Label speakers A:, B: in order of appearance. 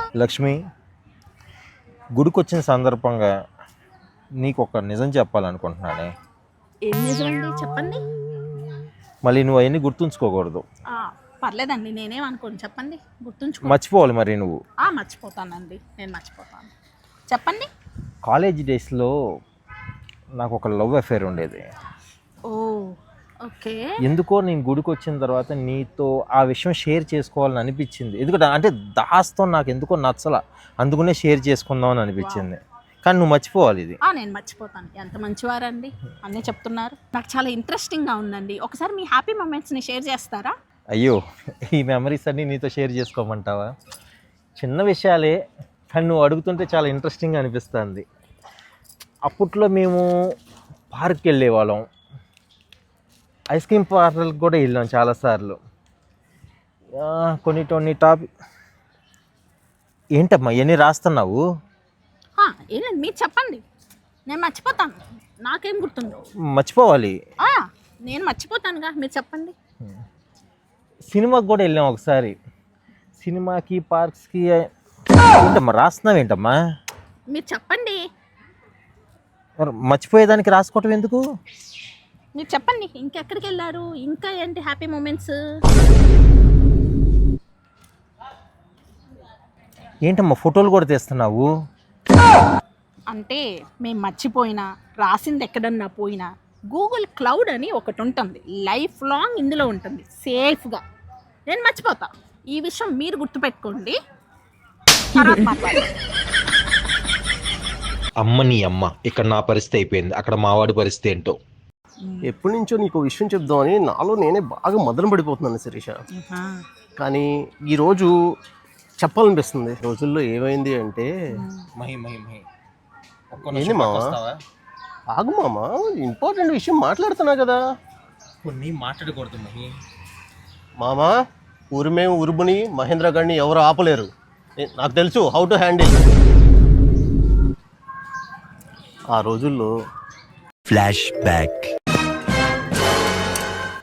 A: లక్ష్మి, గుడికొచ్చిన సందర్భంగా నీకు ఒక నిజం చెప్పాలనుకుంటున్నానే.
B: ఏం నిజమండి చెప్పండి.
A: మళ్ళీ నువ్వు అవన్నీ గుర్తుంచుకోకూడదు.
B: పర్లేదండి, నేనేం అనుకోను, చెప్పండి. గుర్తుంచుకో.
A: మర్చిపోవాలి మరి నువ్వు.
B: మర్చిపోతానండి, నేను మర్చిపోతాను. చెప్పండి.
A: కాలేజ్ డేస్లో నాకు ఒక లవ్ అఫేర్ ఉండేది.
B: Oh okay.
A: ఎందుకో నేను గుడికి వచ్చిన తర్వాత నీతో ఆ విషయం షేర్ చేసుకోవాలని అనిపించింది. ఎందుకంటే అంటే దాస్తో నాకు ఎందుకో నచ్చల, అందుకనే షేర్ చేసుకుందామని అనిపించింది. కానీ నువ్వు మర్చిపోవాలి ఇది.
B: నేను మర్చిపోతాను. ఎంత మంచివారండి, అన్నీ చెప్తున్నారు. నాకు చాలా ఇంట్రెస్టింగ్గా ఉందండి. ఒకసారి మీ హ్యాపీ మూమెంట్స్ని షేర్ చేస్తారా?
A: అయ్యో, ఈ మెమరీస్ అన్నీ నీతో షేర్ చేసుకోమంటావా? చిన్న విషయాలే, కానీ నువ్వు అడుగుతుంటే చాలా ఇంట్రెస్టింగ్గా అనిపిస్తుంది. అప్పట్లో మేము పార్క్కి వెళ్ళేవాళ్ళం, ఐస్ క్రీమ్ పార్లర్కి కూడా వెళ్ళాం చాలాసార్లు. కొన్ని టాపిక్ ఏంటమ్మా ఇవన్నీ రాస్తున్నావు?
B: ఏంటండి మీరు చెప్పండి, నేను మర్చిపోతాను. నాకేం గుర్తుందో.
A: మర్చిపోవాలి.
B: నేను మర్చిపోతానుగా, మీరు చెప్పండి.
A: సినిమాకి కూడా వెళ్ళాం ఒకసారి. సినిమాకి పార్క్స్కి ఏంటమ్మా రాస్తున్నావు? ఏంటమ్మా
B: మీరు చెప్పండి.
A: మర్చిపోయేదానికి రాసుకోవటం ఎందుకు?
B: మీరు చెప్పండి, ఇంకెక్కడికి వెళ్ళారు, ఇంకా ఏంటి హ్యాపీ మూమెంట్స్?
A: ఏంటమ్మా ఫోటోలు కూడా తీస్తున్నావు?
B: అంటే మేము మర్చిపోయినా, రాసింది ఎక్కడన్నా పోయినా గూగుల్ క్లౌడ్ అని ఒకటి ఉంటుంది, లైఫ్ లాంగ్ ఇందులో ఉంటుంది సేఫ్గా. నేను మర్చిపోతా, ఈ విషయం మీరు గుర్తుపెట్టుకోండి. తర్వాత మాట్లాడదాం.
A: అమ్మ నీ అమ్మ, ఇక్కడ నా పరిస్థితి అయిపోయింది, అక్కడ మావాడి పరిస్థితి ఏంటో.
C: ఎప్పటి నుంచో నీకు విషయం చెప్దామని నాలో నేనే బాగా మదన పడిపోతున్నాను శిరీష. కానీ ఈరోజు చెప్పాలనిపిస్తుంది. రోజుల్లో ఏమైంది అంటే ఏంది మామ, ఆగు మామ, ఇంపార్టెంట్ విషయం మాట్లాడుతున్నా కదా.
A: కొన్ని మాట్లాడకూడదు
C: మామ, ఊరిమేం ఉరుముని మహేంద్ర గారిని ఎవరు ఆపలేరు. నాకు తెలుసు హౌ టు హ్యాండిల్. ఆ రోజుల్లో
D: ఫ్లాష్ బ్యాక్.